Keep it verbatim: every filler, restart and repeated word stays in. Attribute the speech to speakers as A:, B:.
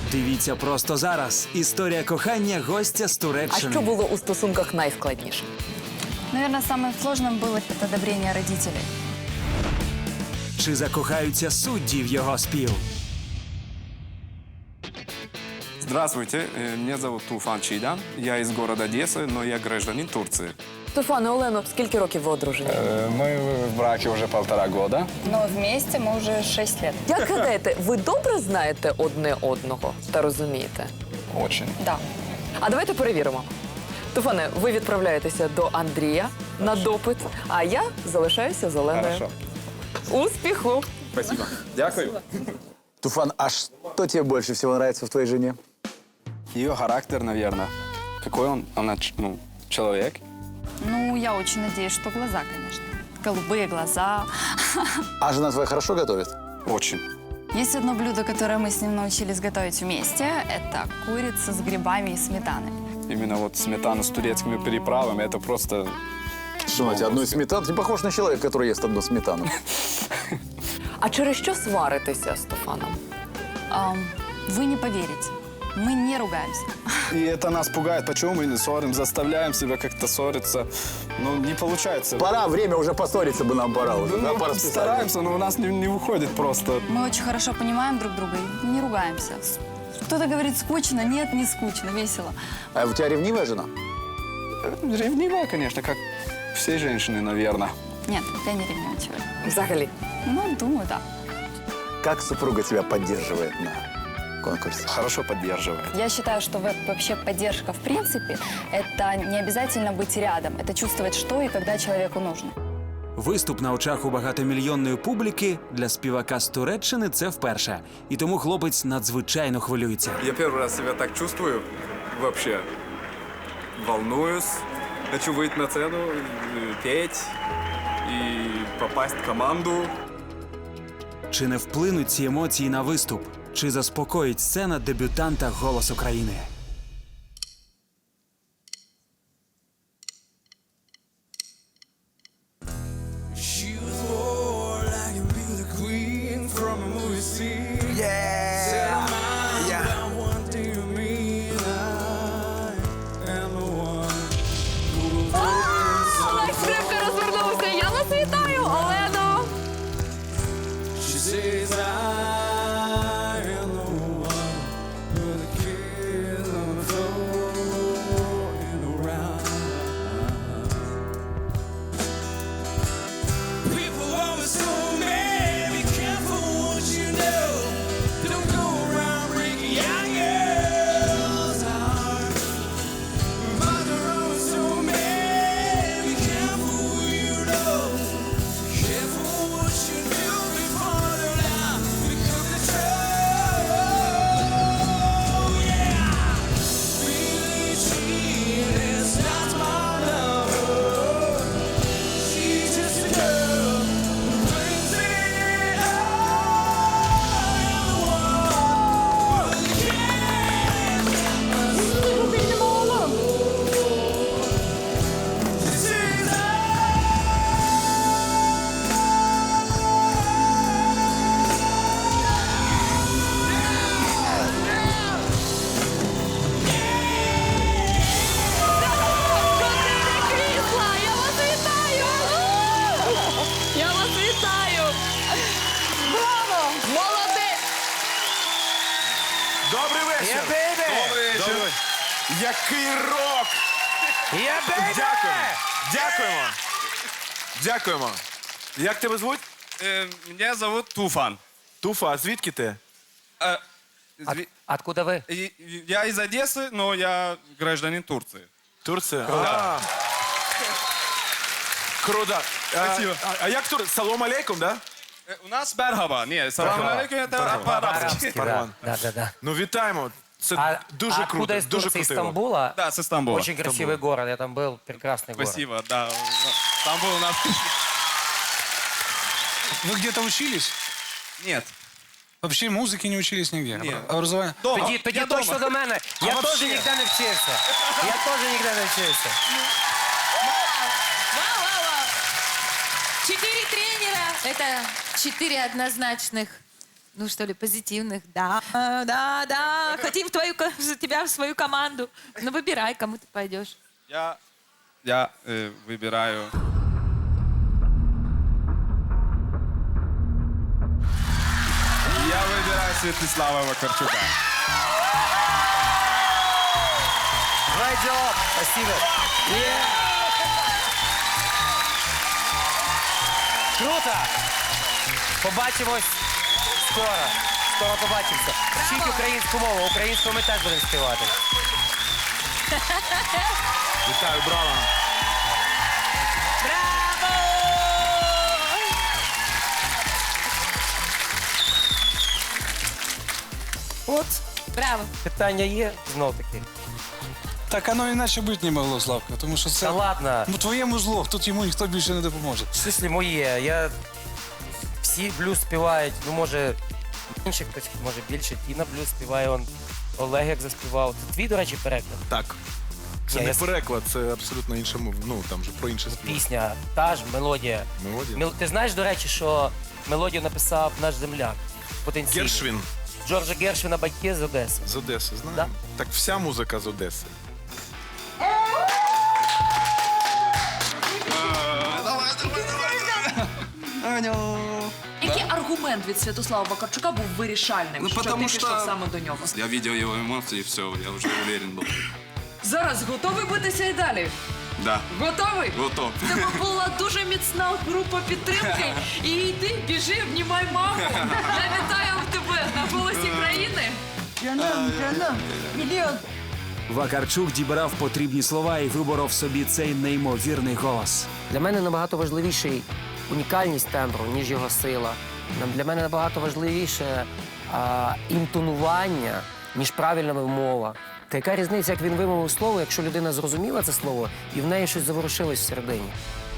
A: Дивіться просто зараз. Історія кохання гостя з
B: А
A: Туреччини.
B: що було у стосунках найскладніше?
C: Наверное, самым сложным было это одобрение родителей.
A: Чи закохаються судді в його спів?
D: Здравствуйте, э, меня зовут Туфан Чидан. Я из города Одессы, но я гражданин Турции.
B: Стефане, Олено, скільки років ви одружені?
E: Мы в браке уже полтора года.
C: Но вместе мы уже шесть лет.
B: Як гадаєте, ви добре знаєте одне одного та розумієте?
E: Очень.
C: Да.
B: А давайте перевіримо. Стефане, ви відправляєтеся до Андрія на допит, а я залишаюся з Оленою.
E: Хорошо.
B: Успіху!
D: Спасибо. Дякую.
F: Туфан, а что тебе больше всего нравится в твоей жене?
D: Ее характер, наверное. Какой он, она, ч- ну, человек.
C: Ну, я очень надеюсь, что глаза, конечно. Голубые глаза.
F: А жена твоя хорошо готовит?
D: Очень.
C: Есть одно блюдо, которое мы с ним научились готовить вместе. Это курица с грибами и сметаной.
D: Именно вот сметана с турецкими приправами, это просто...
F: Что, Надя, одну из сметан? Ты похож на человека, который ест одну сметану.
B: А через що сваритеся, Стефаном?
C: Ам, вы не поверите, мы не ругаемся.
E: И это нас пугает. Почему мы не ссорим? Заставляем себя как-то ссориться. Ну, не получается.
F: Пора, время уже поссориться бы нам пора уже. Да,
E: Ну,
F: по расписанию.
E: стараемся, но у нас не, не выходит просто.
C: Мы очень хорошо понимаем друг друга и не ругаемся. Кто-то говорит скучно, нет, не скучно, весело.
F: А у тебя ревнивая жена?
D: Ревнивая, конечно, как все женщины, наверное.
C: Нет, я не ревнивый человек.
B: Взагалі.
C: Ну, думаю, да.
F: Как супруга тебя поддерживает на конкурсе?
D: Хорошо поддерживает.
C: Я считаю, что во- вообще поддержка в принципе – это не обязательно быть рядом. Это чувствовать, что и когда человеку нужно.
A: Виступ на очах у багатомільйонної публіки для співака з Туреччини – це вперше. І тому хлопець надзвичайно хвилюється.
D: Я первый раз себя так чувствую вообще. Волнуюсь, хочу выйти на сцену, э, петь и попасть в команду.
A: Чи не вплинуть ці емоції на виступ? Чи заспокоїть сцена дебютанта «Голос України»?
G: She was more like a beauty queen from a movie scene. Yeah. Set her mind
F: Yeah.
G: about one thing to me, and I am the one who will
B: Олег Скрипка розвернувся. Я вас вітаю, Олено!
G: She says I am the one with the kids on the floor and around. People always told me, be careful what you know. Don't go around breaking young girls' hearts. But there always told me, be careful who you know. Careful what you do before the lie become the truth. Yeah, really cheating is not my lover. She's just a girl who brings it all. This is
B: Крісла! Я вас вітаю! Я вас вітаю! Браво! Молодець!
H: Добрий вечір! Добрий вечір! Який рок! Дякуємо! Дякуємо! Дякуємо! Як тебе звуть?
D: Э, меня зовут Туфан.
H: Туфа, а звідки ти?
D: Э, зви-
I: Откуда вы?
D: и- и- Я из Одессы, но я гражданин Турции.
H: Турція? А. Круто. А,
D: Спасибо.
H: а, а як тур? Салом алейкум, да?
D: Э, У нас Берхаба. Нет, салам алейкум, это по-арабски.
I: Да, да, да, да.
H: Ну вітаємо. Це
I: А,
H: дуже
I: а откуда
H: круто.
I: из
H: Дуже
I: Турции, из
H: круто.
I: Стамбула?
D: Да, с Истамбула.
I: Очень красивый город, я там был, прекрасный город.
D: Спасибо, да. Стамбул у нас...
J: Вы где-то учились?
D: Нет.
J: Вообще музыки не учились нигде?
D: Нет.
J: Образование?
D: Дома.
I: Тоді, тоді
D: Я
I: точно
D: дома.
I: до мене.
J: А
I: Я
J: вообще?
I: теж ніде не вчився. Я теж ніде не вчився.
K: Четыре тренера – это четыре однозначных ну что ли, позитивных. Да, да, да. Хотим в твою, ко- за тебя в свою команду. Ну выбирай, кому ты пойдешь.
D: Я, я э, выбираю... Я выбираю Святослава Вакарчука.
I: Great job. Спасибо. Круто. Побачимось скоро. Скоро побачимося. Вчіть українську мову. Українську ми теж будемо співати.
H: Вітаю, браво.
K: Браво!
I: От.
K: Браво.
I: Питання є знов таки.
J: Так оно іначе бути не могло, Славка, тому що це
I: Та ладно.
J: ну, твоєму зло, тут йому ніхто більше не допоможе.
I: В смислі моє. Я... Всі блюз співають. Ну, може, менше хтось, може більше. Тіна блюз співає, он Олег як заспівав. Це твій, до речі, переклад?
H: Так. Це
I: Ні,
H: не
I: я с-
H: переклад, це абсолютно інша мова. Ну, там же про інше спів.
I: Пісня, та ж мелодія.
H: Мелодія?
I: Мел- Ти знаєш, до речі, що мелодію написав наш земляк? Потенційний.
H: Гершвін
I: Джорджа Гершвіна батьки з Одеси.
H: з Одеси, знаємо.
I: Да.
H: Так вся музика з Одеси.
B: Який аргумент від Святослава Вакарчука був вирішальним,
D: Ну,
B: що ти
D: потому
B: пішов
D: что-
B: саме до нього?
D: Я видел его эмоции, и все, я уже уверен был.
B: Зараз готовий битися і далі?
D: Да,
B: Готовий?
D: готов.
B: В тебе була дуже міцна група підтримки. І йди, біжи, обнімай маму. Я вітаю тебе на голосі країни.
A: Вакарчук дібрав потрібні слова і виборов собі цей неймовірний голос.
I: Для мене набагато важливіший унікальність тембру, ніж його сила. Нам- Для мене набагато важливіше а, інтонування, ніж правильна вимова. Та яка різниця, як він вимовив слово, якщо людина зрозуміла це слово і в неї щось заворушилось всередині?